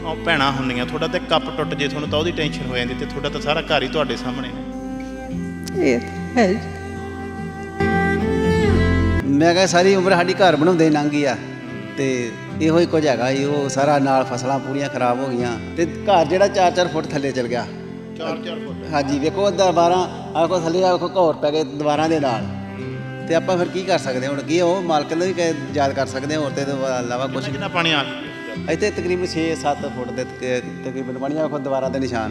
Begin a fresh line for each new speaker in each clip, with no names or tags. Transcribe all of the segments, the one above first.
ਭੈਣਾਂ ਹੁੰਦੀਆਂ, ਤੁਹਾਡਾ ਤਾਂ ਕੱਪ ਟੁੱਟ ਜੇ ਤੁਹਾਨੂੰ ਤਾਂ ਉਹਦੀ ਟੈਨਸ਼ਨ ਹੋ ਜਾਂਦੀ, ਤੇ ਤੁਹਾਡਾ ਤਾਂ ਸਾਰਾ ਘਰ ਹੀ ਤੁਹਾਡੇ ਸਾਹਮਣੇ ਨੇ।
ਇਹ ਹੈ ਜੀ।
ਮੈਂ ਕਿਹਾ ਸਾਰੀ ਉਮਰ ਸਾਡੀ ਘਰ ਬਣਾਉਂਦੇ ਲੰਘ ਗਈ ਆ, ਤੇ ਇਹੋ ਹੀ ਕੁਝ ਹੈਗਾ ਜੀ। ਉਹ ਸਾਰਾ ਨਾਲ ਫਸਲਾਂ ਪੂਰੀਆਂ ਖਰਾਬ ਹੋ ਗਈਆਂ, ਤੇ ਘਰ ਜਿਹੜਾ 4-4 ਫੁੱਟ ਥੱਲੇ ਚਲ ਗਿਆ।
4-4 ਫੁੱਟ?
ਹਾਂਜੀ, ਵੇਖੋ ਦੀਵਾਰਾਂ ਆਖੋ ਥੱਲੇ ਆਖੋ ਘੌਰ ਪੈ ਗਏ ਦੀਵਾਰਾਂ ਦੇ ਨਾਲ। ਤੇ ਆਪਾਂ ਫਿਰ ਕੀ ਕਰ ਸਕਦੇ ਹੁਣ? ਕੀ ਉਹ ਮਾਲਕ ਨੂੰ ਵੀ ਯਾਦ ਕਰ ਸਕਦੇ ਹੋਰ ਤੇ ਇਲਾਵਾ ਕੁਛ?
ਕਿੰਨਾ ਪਾਣੀ ਆ
ਇੱਥੇ ਤਕਰੀਬਨ 6-7 ਫੁੱਟ ਦੇ ਤਕਰੀਬਨ ਪਾਣੀ ਆਖੋ ਦੀਵਾਰਾਂ ਦੇ ਨਿਸ਼ਾਨ।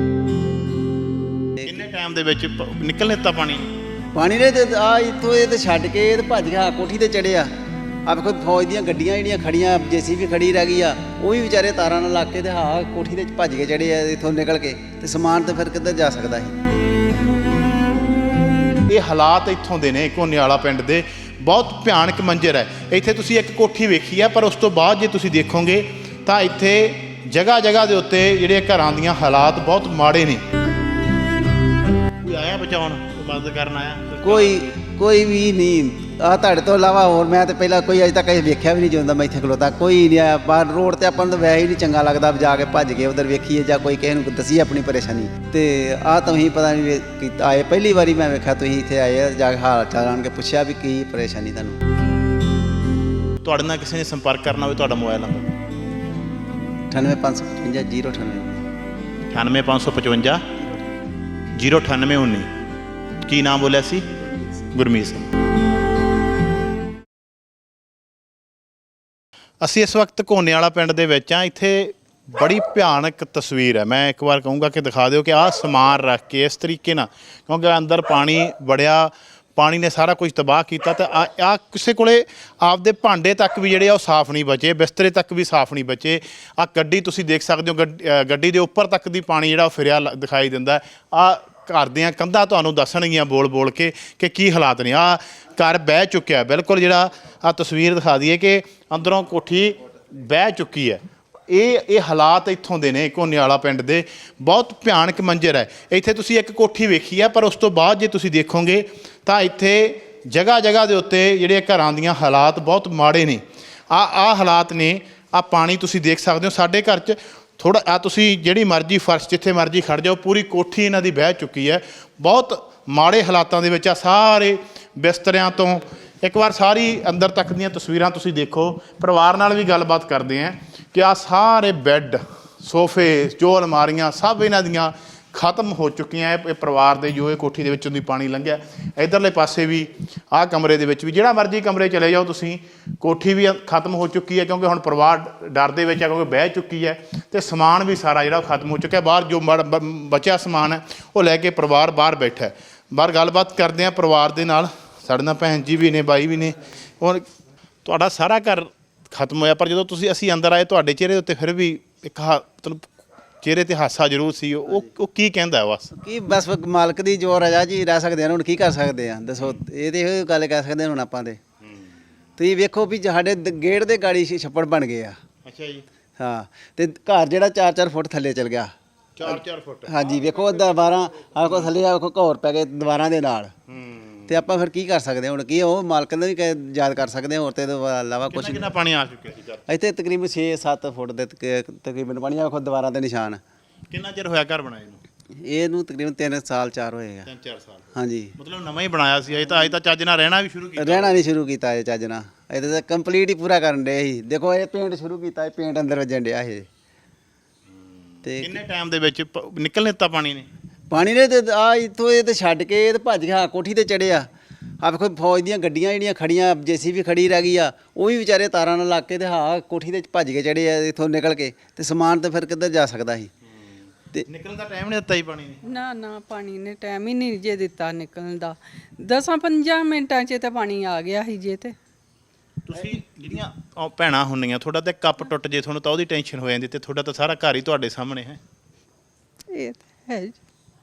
ਕਿੰਨੇ ਟਾਈਮ ਦੇ ਵਿੱਚ ਨਿਕਲ ਦਿੱਤਾ ਪਾਣੀ?
ਪਾਣੀ ਨੇ ਤੇ ਆ ਇੱਥੋਂ ਇਹ ਤੇ ਛੱਡ ਕੇ ਤੇ ਭੱਜ ਗਿਆ, ਕੋਠੀ ਤੇ ਚੜਿਆ। ਆ ਵੇਖੋ ਫੌਜ ਦੀਆਂ ਗੱਡੀਆਂ ਜਿਹੜੀਆਂ ਖੜੀਆਂ, JCB ਖੜੀ ਰਹਿ ਗਈ ਆ, ਉਹ ਵੀ ਵਿਚਾਰੇ ਤਾਰਾਂ ਨਾਲ ਲੱਗ ਕੇ ਤੇ ਹਾਂ ਕੋਠੀ ਤੇ ਭੱਜ ਕੇ ਚੜੇ ਆ ਇੱਥੋਂ ਨਿਕਲ ਕੇ। ਤੇ ਸਮਾਨ ਤਾਂ ਫਿਰ ਕਿੱਧਰ ਜਾ ਸਕਦਾ ਸੀ?
ਇਹ ਹਾਲਾਤ ਇੱਥੋਂ ਦੇ ਨੇ ਘੋਨੇ ਵਾਲਾ ਪਿੰਡ ਦੇ, ਬਹੁਤ ਭਿਆਨਕ ਮੰਜ਼ਰ ਹੈ। ਇੱਥੇ ਤੁਸੀਂ ਇੱਕ ਕੋਠੀ ਵੇਖੀ ਹੈ, ਪਰ ਉਸ ਤੋਂ ਬਾਅਦ ਜੇ ਤੁਸੀਂ ਦੇਖੋਗੇ ਤਾਂ ਇੱਥੇ ਜਗ੍ਹਾ ਜਗ੍ਹਾ ਦੇ ਉੱਤੇ ਜਿਹੜੇ ਘਰਾਂ ਦੀਆਂ ਹਾਲਾਤ ਬਹੁਤ ਮਾੜੇ ਨੇ। ਕੋਈ ਆਇਆ ਬਚਾਉਣ, ਮਦਦ ਕਰਨ ਆਇਆ?
ਕੋਈ ਵੀ ਨਹੀਂ। ਆ ਤੁਹਾਡੇ ਤੋਂ ਇਲਾਵਾ ਹੋਰ ਮੈਂ ਤਾਂ ਪਹਿਲਾਂ ਕੋਈ ਅਜੇ ਤੱਕ ਵੇਖਿਆ ਵੀ ਨਹੀਂ ਜਾਂਦਾ। ਮੈਂ ਇੱਥੇ ਖਲੋਤਾ ਕੋਈ ਨਹੀਂ ਆਇਆ। ਬਾਹਰ ਰੋਡ ਤੇ ਆਪਾਂ ਨੂੰ ਤਾਂ ਵੈਸੇ ਹੀ ਨਹੀਂ ਚੰਗਾ ਲੱਗਦਾ ਜਾ ਕੇ ਭੱਜ ਕੇ ਉਧਰ ਵੇਖੀਏ ਜਾਂ ਕੋਈ ਕਿਸੇ ਨੂੰ ਦਸੀਏ ਆਪਣੀ ਪਰੇਸ਼ਾਨੀ। ਤੇ ਆਹ ਤੁਸੀਂ ਪਤਾ ਨਹੀਂ ਆਏ, ਪਹਿਲੀ ਵਾਰੀ ਮੈਂ ਵੇਖਿਆ ਤੁਸੀਂ ਇੱਥੇ ਆਏ, ਜਾ ਕੇ ਹਾਲ ਚਾਲ ਆਣ ਕੇ ਪੁੱਛਿਆ ਵੀ ਕੀ ਪਰੇਸ਼ਾਨੀ ਤੁਹਾਨੂੰ।
ਤੁਹਾਡੇ ਨਾਲ ਕਿਸੇ ਨੇ ਸੰਪਰਕ ਕਰਨਾ ਹੋਵੇ, ਤੁਹਾਡਾ ਮੋਬਾਈਲ ਨੰਬਰ?
9855
98555 09819। ਕੀ ਨਾਮ ਬੋਲਿਆ ਸੀ? ਗੁਰਮੀਤ ਸਿੰਘ। ਅਸੀਂ ਇਸ ਵਕਤ ਘੋਨੇ ਵਾਲਾ ਪਿੰਡ ਦੇ ਵਿੱਚ ਹਾਂ। ਇੱਥੇ ਬੜੀ ਭਿਆਨਕ ਤਸਵੀਰ ਹੈ। ਮੈਂ ਇੱਕ ਵਾਰ ਕਹੂੰਗਾ ਕਿ ਦਿਖਾ ਦਿਓ ਕਿ ਆਹ ਸਮਾਨ ਰੱਖ ਕੇ ਇਸ ਤਰੀਕੇ ਨਾਲ, ਕਿਉਂਕਿ ਅੰਦਰ ਪਾਣੀ ਵੜਿਆ, ਪਾਣੀ ਨੇ ਸਾਰਾ ਕੁਝ ਤਬਾਹ ਕੀਤਾ। ਤੇ ਆ ਕਿਸੇ ਕੋਲੇ ਆਪਦੇ ਭਾਂਡੇ ਤੱਕ ਵੀ ਜਿਹੜੇ ਆ ਉਹ ਸਾਫ਼ ਨਹੀਂ ਬਚੇ, ਬਿਸਤਰੇ ਤੱਕ ਵੀ ਸਾਫ਼ ਨਹੀਂ ਬਚੇ। ਆ ਗੱਡੀ ਤੁਸੀਂ ਦੇਖ ਸਕਦੇ ਹੋ, ਗੱਡੀ ਦੇ ਉੱਪਰ ਤੱਕ ਦੀ ਪਾਣੀ ਜਿਹੜਾ ਉਹ ਫਿਰਿਆ ਦਿਖਾਈ ਦਿੰਦਾ। ਆ ਘਰ ਦੀਆਂ ਕੰਧਾਂ ਤੁਹਾਨੂੰ ਦੱਸਣਗੀਆਂ ਬੋਲ ਬੋਲ ਕੇ ਕਿ ਕੀ ਹਾਲਾਤ ਨੇ। ਆ ਘਰ ਬਹਿ ਚੁੱਕਿਆ ਬਿਲਕੁਲ। ਜਿਹੜਾ ਆ ਤਸਵੀਰ ਦਿਖਾ ਦਈਏ ਕਿ ਅੰਦਰੋਂ ਕੋਠੀ ਬਹਿ ਚੁੱਕੀ ਹੈ। ਇਹ ਹਾਲਾਤ ਇੱਥੋਂ ਦੇ ਨੇ ਘੋਨੇ ਵਾਲਾ ਪਿੰਡ ਦੇ, ਬਹੁਤ ਭਿਆਨਕ ਮੰਜ਼ਰ ਹੈ। ਇੱਥੇ ਤੁਸੀਂ ਇੱਕ ਕੋਠੀ ਵੇਖੀ ਹੈ, ਪਰ ਉਸ ਤੋਂ ਬਾਅਦ ਜੇ ਤੁਸੀਂ ਦੇਖੋਗੇ ਤਾਂ ਇੱਥੇ ਜਗ੍ਹਾ ਜਗ੍ਹਾ ਦੇ ਉੱਤੇ ਜਿਹੜੇ ਘਰਾਂ ਦੀਆਂ ਹਾਲਾਤ ਬਹੁਤ ਮਾੜੇ ਨੇ। ਆ ਹਾਲਾਤ ਨੇ। ਆ ਪਾਣੀ ਤੁਸੀਂ ਦੇਖ ਸਕਦੇ ਹੋ। ਸਾਡੇ ਘਰ 'ਚ ਥੋੜ੍ਹਾ ਆ ਤੁਸੀਂ ਜਿਹੜੀ ਮਰਜ਼ੀ ਫਰਸ਼ ਜਿੱਥੇ ਮਰਜ਼ੀ ਖੜ੍ਹ ਜਾਓ, ਪੂਰੀ ਕੋਠੀ ਇਹਨਾਂ ਦੀ ਬਹਿ ਚੁੱਕੀ ਹੈ। ਬਹੁਤ ਮਾੜੇ ਹਾਲਾਤਾਂ ਦੇ ਵਿੱਚ ਆ ਸਾਰੇ ਬਿਸਤਰਿਆਂ ਤੋਂ। ਇੱਕ ਵਾਰ ਸਾਰੀ ਅੰਦਰ ਤੱਕ ਦੀਆਂ ਤਸਵੀਰਾਂ ਤੁਸੀਂ ਦੇਖੋ। ਪਰਿਵਾਰ ਨਾਲ ਵੀ ਗੱਲਬਾਤ ਕਰਦੇ ਹਾਂ ਕਿ ਆ ਸਾਰੇ ਬੈੱਡ, ਸੋਫੇ, ਜੋ ਅਲਮਾਰੀਆਂ ਸਭ ਇਹਨਾਂ ਦੀਆਂ ਖਤਮ ਹੋ ਚੁੱਕੀਆਂ। ਇਹ ਪਰਿਵਾਰ ਦੇ ਜੋ ਇਹ ਕੋਠੀ ਦੇ ਵਿੱਚੋਂ ਦੀ ਪਾਣੀ ਲੰਘਿਆ। ਇੱਧਰਲੇ ਪਾਸੇ ਵੀ ਆਹ ਕਮਰੇ ਦੇ ਵਿੱਚ ਵੀ, ਜਿਹੜਾ ਮਰਜ਼ੀ ਕਮਰੇ ਚਲੇ ਜਾਓ ਤੁਸੀਂ, ਕੋਠੀ ਵੀ ਖਤਮ ਹੋ ਚੁੱਕੀ ਹੈ। ਕਿਉਂਕਿ ਹੁਣ ਪਰਿਵਾਰ ਡਰ ਦੇ ਵਿੱਚ ਹੈ, ਕਿਉਂਕਿ ਬਹਿ ਚੁੱਕੀ ਹੈ। ਅਤੇ ਸਮਾਨ ਵੀ ਸਾਰਾ ਜਿਹੜਾ ਖਤਮ ਹੋ ਚੁੱਕਿਆ। ਬਾਹਰ ਜੋ ਬਚਿਆ ਸਮਾਨ ਹੈ ਉਹ ਲੈ ਕੇ ਪਰਿਵਾਰ ਬਾਹਰ ਬੈਠਾ ਹੈ। ਬਾਹਰ ਗੱਲਬਾਤ ਕਰਦੇ ਹਾਂ ਪਰਿਵਾਰ ਦੇ ਨਾਲ। ਸਾਡੇ ਨਾਲ ਭੈਣ ਜੀ ਵੀ ਨੇ, ਬਾਈ ਵੀ ਨੇ। ਹੁਣ ਤੁਹਾਡਾ ਸਾਰਾ ਘਰ ਖਤਮ ਹੋਇਆ, ਪਰ ਜਦੋਂ ਅਸੀਂ ਅੰਦਰ ਆਏ ਤੁਹਾਡੇ ਚਿਹਰੇ ਉੱਤੇ ਫਿਰ ਵੀ ਇੱਕ ਮਤਲਬ ਚਿਹਰੇ 'ਤੇ ਹਾਸਾ ਜ਼ਰੂਰ ਸੀ। ਉਹ ਕੀ ਕਹਿੰਦਾ?
ਬਸ ਮਾਲਕ ਦੀ ਜੋ ਰਜ਼ਾ ਜੀ ਰਹਿ ਸਕਦੇ ਹਨ। ਹੁਣ ਕੀ ਕਰ ਸਕਦੇ ਆ ਦੱਸੋ? ਇਹ ਤੇ ਇਹੋ ਗੱਲ ਕਹਿ ਸਕਦੇ ਹੁਣ ਆਪਾਂ। ਤੇ ਤੁਸੀਂ ਵੇਖੋ ਵੀ ਸਾਡੇ ਗੇਟ ਦੇ ਗਾੜੀ ਛੱਪੜ ਬਣ ਗਏ ਆ।
ਅੱਛਾ ਜੀ।
ਹਾਂ, ਤੇ ਘਰ ਜਿਹੜਾ 4-4 ਫੁੱਟ ਥੱਲੇ ਚਲ ਗਿਆ।
4-4 ਫੁੱਟ? ਹਾਂਜੀ,
ਵੇਖੋ ਦੀਵਾਰਾਂ ਆਖੋ ਥੱਲੇ ਆਖੋ ਘੌਰ ਪੈ ਗਏ ਦੀਵਾਰਾਂ ਦੇ ਨਾਲ। ਤੇ ਆਪਾਂ ਫਿਰ ਕੀ ਕਰ ਸਕਦੇ ਹੁਣ? ਕੀ ਉਹ ਮਾਲਕ ਨੂੰ ਵੀ ਯਾਦ ਕਰ ਸਕਦੇ ਹੋਰ ਤੇ ਇਲਾਵਾ ਕੁਛ?
ਕਿੰਨਾ ਪਾਣੀ ਆ ਚੁੱਕਿਆ ਸੀ ਘਰ?
ਇੱਥੇ ਤਕਰੀਬਨ 6-7 ਫੁੱਟ ਦੇ ਤਕਰੀਬਨ ਪਾਣੀ ਆਖੋ ਦੀਵਾਰਾਂ ਦੇ ਨਿਸ਼ਾਨ।
ਕਿੰਨਾ ਚਿਰ ਹੋਇਆ ਘਰ ਬਣਾਏ ਨੂੰ?
ਇਹਨੂੰ ਤਕਰੀਬਨ 3 ਸਾਲ 4 ਹੋਏਗਾ।
3-4 ਸਾਲ? ਹਾਂਜੀ।
ਮਤਲਬ
ਨਵਾਂ ਹੀ ਬਣਾਇਆ ਸੀ। ਅਜੇ ਤਾਂ ਚੱਜ ਨਾਲ ਰਹਿਣਾ ਵੀ ਸ਼ੁਰੂ ਕੀਤਾ?
ਰਹਿਣਾ ਨਹੀਂ ਸ਼ੁਰੂ ਕੀਤਾ ਇਹ ਚੱਜ ਨਾਲ। ਇਹਦੇ ਤਾਂ ਕੰਪਲੀਟ ਹੀ ਪੂਰਾ ਕਰਨ ਡਏ ਸੀ। ਦੇਖੋ ਇਹ ਪੇਂਟ ਸ਼ੁਰੂ ਕੀਤਾ, ਇਹ ਪੇਂਟ ਅੰਦਰ ਵੱਜਣ ਡਿਆ ਇਹ। ਤੇ
ਕਿੰਨੇ ਟਾਈਮ ਦੇ ਵਿੱਚ ਨਿਕਲ ਦਿੱਤਾ ਪਾਣੀ ਨੇ?
ਪਾਣੀ ਨੇ ਤੇ ਆ ਇੱਥੋਂ ਇਹ ਤੇ ਛੱਡ ਕੇ ਤੇ ਭੱਜ ਗਿਆ, ਕੋਠੀ ਤੇ ਚੜਿਆ। ਆ ਵੇਖੋ ਫੌਜ ਦੀਆਂ ਗੱਡੀਆਂ ਜਿਹੜੀਆਂ ਖੜੀਆਂ, JCB ਖੜੀ ਰਹਿ ਗਈ ਆ, ਉਹ ਵੀ ਵਿਚਾਰੇ ਤਾਰਾਂ ਨਾਲ ਲੱਗ ਕੇ ਤੇ ਹਾਂ ਕੋਠੀ ਤੇ ਭੱਜ ਕੇ ਚੜੇ ਆ ਇੱਥੋਂ ਨਿਕਲ ਕੇ। ਤੇ ਸਮਾਨ ਤਾਂ ਫਿਰ ਕਿੱਧਰ ਜਾ ਸਕਦਾ ਸੀ? ਤੇ
ਨਿਕਲਣ ਦਾ ਟਾਈਮ ਨਹੀਂ ਦਿੱਤਾ ਜੀ ਪਾਣੀ ਨੇ?
ਨਾ ਪਾਣੀ ਨੇ ਟਾਈਮ ਹੀ ਨਹੀਂ ਜੇ ਦਿੱਤਾ ਨਿਕਲਣ ਦਾ। 10-15 ਮਿੰਟਾਂ 'ਚ ਤਾਂ ਪਾਣੀ ਆ ਗਿਆ ਸੀ ਜੇ। ਤੇ
ਤੁਸੀਂ ਜਿਹੜੀਆਂ ਭੈਣਾਂ ਹੁੰਦੀਆਂ, ਤੁਹਾਡਾ ਤਾਂ ਕੱਪ ਟੁੱਟ ਜੇ ਤੁਹਾਨੂੰ ਤਾਂ ਉਹਦੀ ਟੈਨਸ਼ਨ ਹੋ ਜਾਂਦੀ, ਤੇ ਤੁਹਾਡਾ ਤਾਂ ਸਾਰਾ ਘਰ ਹੀ ਤੁਹਾਡੇ ਸਾਹਮਣੇ ਹੈ।
ਇਹ ਹੈ ਜੀ।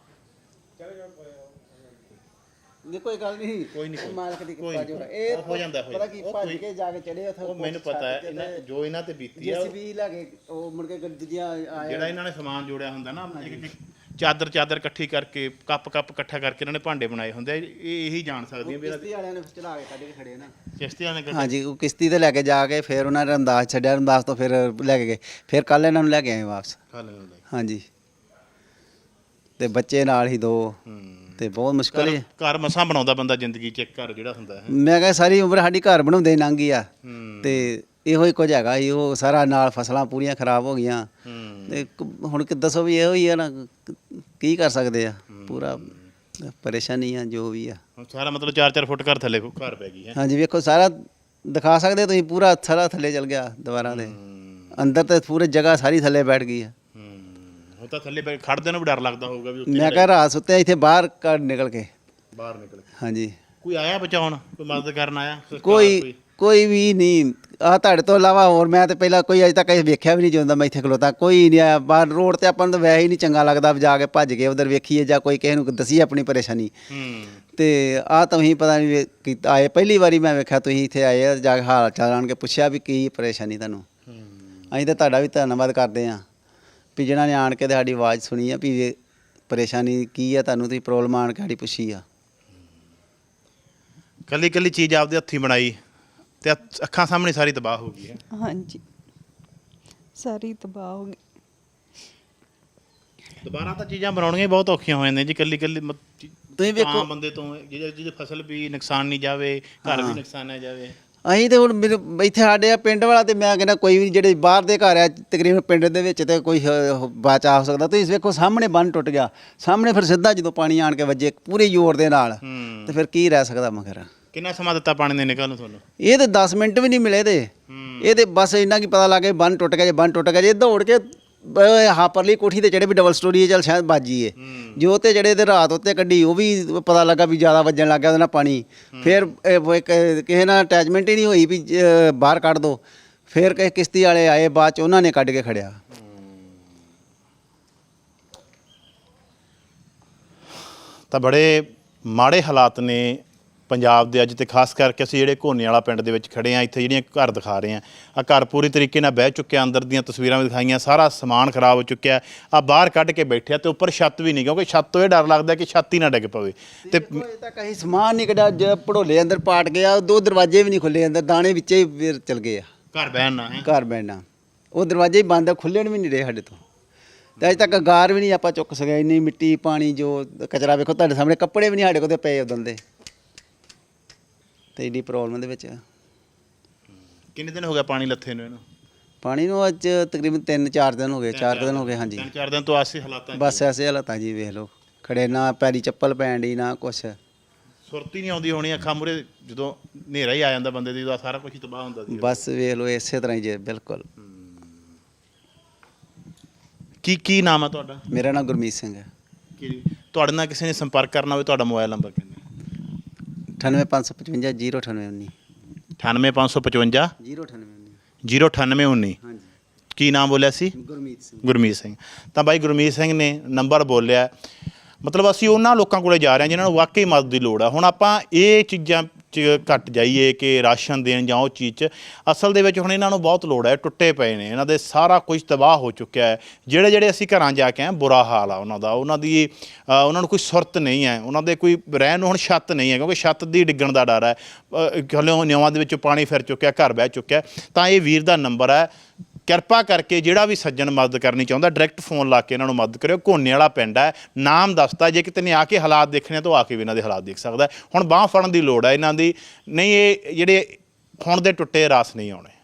ਕੋਈ ਗੱਲ ਨਹੀਂ,
ਕੋਈ ਨਹੀਂ,
ਮਾਲਕ ਦੀ
ਕੋਈ
ਕਿਰਪਾ ਜੋ ਇਹ
ਹੋ ਜਾਂਦਾ।
ਪਤਾ ਕੀ ਭੱਜ ਕੇ ਜਾ ਕੇ ਚੜੇ ਉੱਥੇ।
ਉਹ ਮੈਨੂੰ ਪਤਾ ਹੈ, ਜੋ ਇਹਨਾਂ ਤੇ ਬੀਤੀ ਹੈ।
JCB ਲਾ ਕੇ ਉਹ ਮੁੜ ਕੇ ਦੂਜੀਆਂ ਆਏ
ਜਿਹੜਾ ਇਹਨਾਂ ਨੇ ਸਮਾਨ ਜੋੜਿਆ ਹੁੰਦਾ ਨਾ, ਚਾਦਰ ਇਕੱਠੀ ਕਰਕੇ ਕੱਪ ਇਕੱਠਾ ਕਰਕੇ ਇਹਨਾਂ ਨੇ ਭਾਂਡੇ ਬਣਾਏ ਹੁੰਦੇ ਆ। ਇਹ ਇਹੀ ਜਾਣ ਸਕਦੀਆਂ ਵੀ
ਕਿਸ਼ਤੀ ਵਾਲਿਆਂ ਨੇ ਚਲਾ ਕੇ ਕੱਢ ਕੇ ਖੜੇ ਨਾ
ਕਿਸ਼ਤੀਆਂ ਨੇ
ਹਾਂਜੀ, ਉਹ ਕਿਸ਼ਤੀ ਤੇ ਲੈ ਕੇ ਜਾ ਕੇ ਫਿਰ ਉਹਨਾਂ ਨੇ ਰਮਦਾਸ ਛੱਡਿਆ, ਰਮਦਾਸ ਤੋਂ ਫਿਰ ਲੈ ਕੇ ਗਏ, ਫਿਰ ਕੱਲ ਇਹਨਾਂ ਨੂੰ ਲੈ ਕੇ ਆਏ ਵਾਪਸ। ਹਾਂਜੀ, ਤੇ ਬੱਚੇ ਨਾਲ ਹੀ 2 ਤੇ ਬਹੁਤ ਮੁਸ਼ਕਲ ਹੈ।
ਘਰ ਮਸਾਂ ਬਣਾਉਂਦਾ ਬੰਦਾ ਜ਼ਿੰਦਗੀ 'ਚ, ਇੱਕ ਘਰ ਜਿਹੜਾ ਹੁੰਦਾ ਹੈ।
ਮੈਂ ਕਿਹਾ ਸਾਰੀ ਉਮਰ ਸਾਡੀ ਘਰ ਬਣਾਉਂਦੇ ਹੀ ਲੰਘ ਗਈ ਆ, ਤੇ ਇਹੋ ਹੀ ਕੁਝ ਹੈਗਾ ਜੀ। ਉਹ ਸਾਰਾ ਨਾਲ ਫਸਲਾਂ ਪੂਰੀਆਂ ਖਰਾਬ ਹੋ ਗਈਆਂ, ਤੇ ਹੁਣ ਕਿ ਦੱਸੋ ਵੀ ਇਹੋ ਹੀ ਆ ਨਾ, ਕੀ ਕਰ ਸਕਦੇ ਆ। ਪੂਰਾ ਪਰੇਸ਼ਾਨੀ ਆ ਜੋ ਵੀ ਆ।
ਸਾਰਾ ਮਤਲਬ 4-4 ਫੁੱਟ ਘਰ ਥੱਲੇ ਘਰ ਪੈ ਗਈ ਹੈ।
ਹਾਂਜੀ, ਵੇਖੋ ਸਾਰਾ ਦਿਖਾ ਸਕਦੇ ਤੁਸੀਂ, ਪੂਰਾ ਸਾਰਾ ਥੱਲੇ ਚਲ ਗਿਆ ਦੀਵਾਰਾਂ ਦੇ ਅੰਦਰ, ਤੇ ਪੂਰੀ ਜਗ੍ਹਾ ਸਾਰੀ ਥੱਲੇ ਬੈਠ ਗਈ ਆ।
ਉਹ ਤਾਂ ਥੱਲੇ ਖੜਦੇ ਨੂੰ ਵੀ ਡਰ ਲੱਗਦਾ ਹੋਊਗਾ ਵੀ
ਮੈਂ ਕਿਹਾ ਰਾਤ ਸੁੱਤੇ ਇੱਥੇ ਬਾਹਰ ਨਿਕਲ ਕੇ
ਬਾਹਰ ਨਿਕਲ ਕੇ।
ਹਾਂਜੀ,
ਕੋਈ ਆਇਆ ਬਚਾਉਣ, ਕੋਈ ਮਦਦ ਕਰਨ ਆਇਆ?
ਕੋਈ ਵੀ ਨਹੀਂ ਆ ਤੁਹਾਡੇ ਤੋਂ ਇਲਾਵਾ। ਹੋਰ ਮੈਂ ਤੇ ਪਹਿਲਾਂ ਕੋਈ ਅਜੇ ਤੱਕ ਵੇਖਿਆ ਵੀ ਨਹੀਂ ਜਾਂਦਾ। ਮੈਂ ਇੱਥੇ ਖਲੋਤਾ, ਕੋਈ ਨਹੀਂ ਆਇਆ। ਬਾਹਰ ਰੋਡ ਤੇ ਆਪਾਂ ਨੂੰ ਤਾਂ ਵੈਸੇ ਹੀ ਨਹੀਂ ਚੰਗਾ ਲੱਗਦਾ ਜਾ ਕੇ ਭੱਜ ਕੇ ਉਧਰ ਵੇਖੀਏ, ਜਾਂ ਕੋਈ ਕਿਸੇ ਨੂੰ ਦਸੀਏ ਆਪਣੀ ਪਰੇਸ਼ਾਨੀ। ਤੇ ਆ ਤੁਸੀਂ ਪਤਾ ਨਹੀਂ ਆਏ, ਪਹਿਲੀ ਵਾਰੀ ਮੈਂ ਵੇਖਿਆ ਤੁਸੀਂ ਇੱਥੇ ਆਏ, ਜਾ ਕੇ ਹਾਲ ਚਾਲ ਆਣ ਕੇ ਪੁੱਛਿਆ ਵੀ ਕੀ ਪਰੇਸ਼ਾਨੀ ਤੁਹਾਨੂੰ। ਅਸੀਂ ਤਾਂ ਤੁਹਾਡਾ ਵੀ ਧੰਨਵਾਦ ਕਰਦੇ ਹਾਂ ਵੀ ਜਿਹਨਾਂ ਨੇ ਆਣ ਕੇ ਸਾਡੀ ਆਵਾਜ਼ ਸੁਣੀ ਆ ਵੀ ਪਰੇਸ਼ਾਨੀ ਕੀ ਆ ਤੁਹਾਨੂੰ, ਤੁਸੀਂ ਪ੍ਰੋਬਲਮ ਆਣ ਕੇ ਸਾਡੀ ਪੁੱਛੀ ਆ।
ਕੱਲੀ ਚੀਜ਼ ਆਪਦੇ ਹੱਥੀਂ ਬਣਾਈ ਤੇ ਅੱਖਾਂ ਸਾਹਮਣੇ ਸਾਰੀ ਤਬਾਹ ਹੋ ਗਈ ਹੈ।
ਹਾਂਜੀ, ਸਾਰੀ ਤਬਾਹ ਹੋ ਗਈ।
ਦੁਬਾਰਾ ਤਾਂ ਚੀਜ਼ਾਂ ਬਣਾਉਣੀਆਂ ਹੀ ਬਹੁਤ ਔਖੀਆਂ ਹੋ ਜਾਂਦੀਆਂ ਜੀ। ਕੱਲੀ
ਤੁਸੀਂ ਵੇਖੋ
ਬੰਦੇ ਤੋਂ ਜਿਹਦੀ ਫਸਲ ਵੀ ਨੁਕਸਾਨ ਨਹੀਂ ਜਾਵੇ, ਘਰ ਵੀ ਨੁਕਸਾਨ ਨਾ ਜਾਵੇ।
ਅਸੀਂ ਤੇ ਹੁਣ ਇੱਥੇ ਸਾਡੇ ਆ ਪਿੰਡ ਵਾਲਾ, ਤੇ ਮੈਂ ਕਹਿੰਦਾ ਕੋਈ ਵੀ ਜਿਹੜੇ ਬਾਹਰ ਦੇ ਘਰ ਆ ਤਕਰੀਬਨ ਪਿੰਡ ਦੇ ਵਿੱਚ ਤੇ ਕੋਈ ਬਚਾ ਹੋ ਸਕਦਾ। ਤੁਸੀਂ ਵੇਖੋ ਸਾਹਮਣੇ ਬੰਨ ਟੁੱਟ ਗਿਆ, ਸਾਹਮਣੇ ਫਿਰ ਸਿੱਧਾ ਜਦੋਂ ਪਾਣੀ ਆਣ ਕੇ ਵੱਜੇ ਪੂਰੇ ਜ਼ੋਰ ਦੇ ਨਾਲ, ਤੇ ਫਿਰ ਕੀ ਰਹਿ ਸਕਦਾ ਮਗਰ।
ਕਿੰਨਾ ਸਮਾਂ ਦਿੱਤਾ ਪਾਣੀ ਦੇ ਨਿਕਲਣ ਨੂੰ ਤੁਹਾਨੂੰ?
ਇਹ ਤੇ 10 ਮਿੰਟ ਵੀ ਨਹੀਂ ਮਿਲੇ ਇਹ ਤੇ ਬਸ ਇੰਨਾ ਕੀ ਪਤਾ ਲੱਗ ਗਿਆ ਬੰਨ ਟੁੱਟ ਗਿਆ। ਜੇ ਬੰਨ ਟੁੱਟ ਗਿਆ, ਜੇ ਦੌੜ ਕੇ ਹਾਂ ਪਰਲੀ ਕੋਠੀ ਤੇ ਚੜੇ ਵੀ ਡਬਲ ਸਟੋਰੀ ਹੈ, ਚੱਲ ਸ਼ਾਇਦ ਬਾਜੀਏ ਜੋ ਤੇ ਜਿਹੜੇ ਤੇ ਰਾਤ ਉੱਤੇ ਕੱਢੀ, ਉਹ ਵੀ ਪਤਾ ਲੱਗਾ ਵੀ ਜ਼ਿਆਦਾ ਵੱਜਣ ਲੱਗ ਗਿਆ ਉਹਦੇ ਨਾਲ ਪਾਣੀ। ਫਿਰ ਕਿਸੇ ਨਾਲ ਅਟੈਚਮੈਂਟ ਹੀ ਨਹੀਂ ਹੋਈ ਵੀ ਬਾਹਰ ਕੱਢ ਦੋ। ਫਿਰ ਕਿਸੇ ਕਿਸ਼ਤੀ ਵਾਲੇ ਆਏ ਬਾਅਦ ਚ, ਉਹਨਾਂ ਨੇ ਕੱਢ ਕੇ ਖੜਿਆ।
ਤਾਂ ਬੜੇ ਮਾੜੇ ਹਾਲਾਤ ਨੇ ਪੰਜਾਬ ਦੇ ਅੱਜ, ਤੇ ਖਾਸ ਕਰਕੇ ਅਸੀਂ ਜਿਹੜੇ ਘੋਨੇ ਵਾਲਾ ਪਿੰਡ ਦੇ ਵਿੱਚ ਖੜੇ ਆ, ਇੱਥੇ ਜਿਹੜੀਆਂ ਘਰ ਦਿਖਾ ਰਹੇ ਆ, ਆ ਘਰ ਪੂਰੀ ਤਰੀਕੇ ਨਾਲ ਬਹਿ ਚੁੱਕਿਆ। ਅੰਦਰ ਦੀਆਂ ਤਸਵੀਰਾਂ ਵੀ ਦਿਖਾਈਆਂ, ਸਾਰਾ ਸਮਾਨ ਖਰਾਬ ਹੋ ਚੁੱਕਿਆ। ਆ ਬਾਹਰ ਕੱਢ ਕੇ ਬੈਠਿਆ, ਤੇ ਉੱਪਰ ਛੱਤ ਵੀ ਨਹੀਂ, ਕਿਉਂਕਿ ਛੱਤ ਤੋਂ ਇਹ ਡਰ ਲੱਗਦਾ ਕਿ ਛੱਤ ਹੀ ਨਾ ਡਿੱਗ ਪਵੇ। ਤੇ
ਅਜੇ ਤੱਕ ਅਸੀਂ ਸਮਾਨ ਨਹੀਂ ਕੱਢਿਆ, ਭੜੋਲੇ ਅੰਦਰ ਪਾਟ ਗਿਆ, 2 ਦਰਵਾਜ਼ੇ ਵੀ ਨਹੀਂ ਖੁੱਲੇ, ਅੰਦਰ ਦਾਣੇ ਵਿੱਚੇ ਹੀ ਫਿਰ ਚਲ ਗਏ ਆ।
ਘਰ ਬਹਿਣ ਨਾ ਹੈ,
ਘਰ ਬੈਠਣਾ, ਉਹ ਦਰਵਾਜ਼ੇ ਹੀ ਬੰਦ ਆ, ਖੁੱਲ੍ਹਣ ਵੀ ਨਹੀਂ ਰਹੇ ਸਾਡੇ ਤੋਂ। ਤੇ ਅਜੇ ਤੱਕ ਗਾਰ ਵੀ ਨਹੀਂ ਆਪਾਂ ਚੁੱਕ ਸਕਿਆ। ਇੰਨੀ ਮਿੱਟੀ ਪਾਣੀ ਜੋ ਕਚਰਾ ਵੇਖੋ ਤੁਹਾਡੇ ਸਾਹਮਣੇ, ਕੱਪੜੇ ਵੀ ਨਹੀਂ ਸਾਡੇ ਕੋਲ ਤੇ ਪਏ ਉਦੋਂ ਦੇ, ਤੇ ਏਡੀ ਪ੍ਰੋਬਲਮ ਦੇ ਵਿੱਚ।
ਕਿੰਨੇ ਦਿਨ ਹੋ ਗਿਆ ਪਾਣੀ ਲੱਥੇ ਨੂੰ ਇਹਨੂੰ?
ਪਾਣੀ ਨੂੰ ਅੱਜ ਤਕਰੀਬਨ 3-4 ਦਿਨ ਹੋ ਗਏ, 4 ਦਿਨ ਹੋ ਗਏ। ਹਾਂਜੀ,
3-4 ਦਿਨ ਤੋਂ ਆਸੇ ਹਾਲਾਤਾਂ
ਬਸ ਐਸੇ ਹਾਲਾਤਾਂ ਜੀ। ਵੇਖ ਲਓ ਖੜੇ, ਨਾ ਪੈਰੀ ਚੱਪਲ ਪੈਣ ਦੀ, ਨਾ ਕੁਛ।
ਸੁਰਤ ਹੀ ਨਹੀਂ ਆਉਂਦੀ ਹੋਣੀ ਅੱਖਾਂ ਮੂਹਰੇ, ਜਦੋਂ ਹਨੇਰਾ ਹੀ ਆ ਜਾਂਦਾ ਬੰਦੇ ਦੀ, ਉਦੋਂ ਸਾਰਾ ਕੁਝ ਹੀ ਤਬਾਹ ਹੁੰਦਾ ਸੀ।
ਬਸ ਵੇਖ ਲਓ ਇਸੇ ਤਰ੍ਹਾਂ ਹੀ ਜੇ। ਬਿਲਕੁਲ।
ਕੀ ਨਾਮ ਹੈ ਤੁਹਾਡਾ?
ਮੇਰਾ ਨਾਮ ਗੁਰਮੀਤ ਸਿੰਘ ਹੈ।
ਤੁਹਾਡੇ ਨਾਲ ਕਿਸੇ ਨੇ ਸੰਪਰਕ ਕਰਨਾ ਹੋਵੇ, ਤੁਹਾਡਾ ਮੋਬਾਈਲ ਨੰਬਰ ਕਿੰਨਾ?
98555 09819
98555
09819
09819।
ਹਾਂਜੀ,
ਕੀ ਨਾਮ ਬੋਲਿਆ ਸੀ?
ਗੁਰਮੀਤ ਸਿੰਘ।
ਗੁਰਮੀਤ ਸਿੰਘ। ਤਾਂ ਬਾਈ ਗੁਰਮੀਤ ਸਿੰਘ ਨੇ ਨੰਬਰ ਬੋਲਿਆ। ਮਤਲਬ ਅਸੀਂ ਉਹਨਾਂ ਲੋਕਾਂ ਕੋਲੇ ਜਾ ਰਹੇ ਹਾਂ ਜਿਨ੍ਹਾਂ ਨੂੰ ਵਾਕਈ ਮਦਦ ਦੀ ਲੋੜ ਆ। ਹੁਣ ਆਪਾਂ ਇਹ ਚੀਜ਼ਾਂ 'ਚ ਘੱਟ ਜਾਈਏ ਕਿ ਰਾਸ਼ਨ ਦੇਣ ਜਾਂ ਉਹ ਚੀਜ਼ 'ਚ, ਅਸਲ ਦੇ ਵਿੱਚ ਹੁਣ ਇਹਨਾਂ ਨੂੰ ਬਹੁਤ ਲੋੜ ਹੈ। ਟੁੱਟੇ ਪਏ ਨੇ, ਇਹਨਾਂ ਦੇ ਸਾਰਾ ਕੁਝ ਤਬਾਹ ਹੋ ਚੁੱਕਿਆ ਹੈ। ਜਿਹੜੇ ਅਸੀਂ ਘਰਾਂ ਜਾ ਕੇ ਆਏ, ਬੁਰਾ ਹਾਲ ਆ ਉਹਨਾਂ ਦਾ। ਉਹਨਾਂ ਨੂੰ ਕੋਈ ਸੁਰਤ ਨਹੀਂ ਹੈ, ਉਹਨਾਂ ਦੇ ਕੋਈ ਰਹਿਣ ਨੂੰ ਹੁਣ ਛੱਤ ਨਹੀਂ ਹੈ, ਕਿਉਂਕਿ ਛੱਤ ਦੀ ਡਿੱਗਣ ਦਾ ਡਰ ਹੈ। ਹਲੇ ਨਿਉਆਂ ਦੇ ਵਿੱਚ ਪਾਣੀ ਫਿਰ ਚੁੱਕਿਆ, ਘਰ ਬਹਿ ਚੁੱਕਿਆ। ਤਾਂ ਇਹ ਵੀਰ ਦਾ ਨੰਬਰ ਹੈ, ਕਿਰਪਾ ਕਰਕੇ ਜਿਹੜਾ ਵੀ ਸੱਜਣ ਮਦਦ ਕਰਨੀ ਚਾਹੁੰਦਾ, ਡਾਇਰੈਕਟ ਫੋਨ ਲਾ ਕੇ ਇਹਨਾਂ ਨੂੰ ਮਦਦ ਕਰਿਓ। ਘੋਨੇ ਵਾਲਾ ਪਿੰਡ ਹੈ, ਨਾਮ ਦੱਸਦਾ। ਜੇ ਕਿਤੇ ਨੇ ਆ ਕੇ ਹਾਲਾਤ ਦੇਖਣੇ ਤਾਂ ਆ ਕੇ ਵੀ ਇਹਨਾਂ ਦੇ ਹਾਲਾਤ ਦੇਖ ਸਕਦਾ। ਹੁਣ ਬਾਂਹ ਫੜਨ ਦੀ ਲੋੜ ਹੈ ਇਹਨਾਂ ਦੀ, ਨਹੀਂ ਇਹ ਜਿਹੜੇ ਹੁਣ ਦੇ ਟੁੱਟੇ ਰਾਸ ਨਹੀਂ ਆਉਣੇ।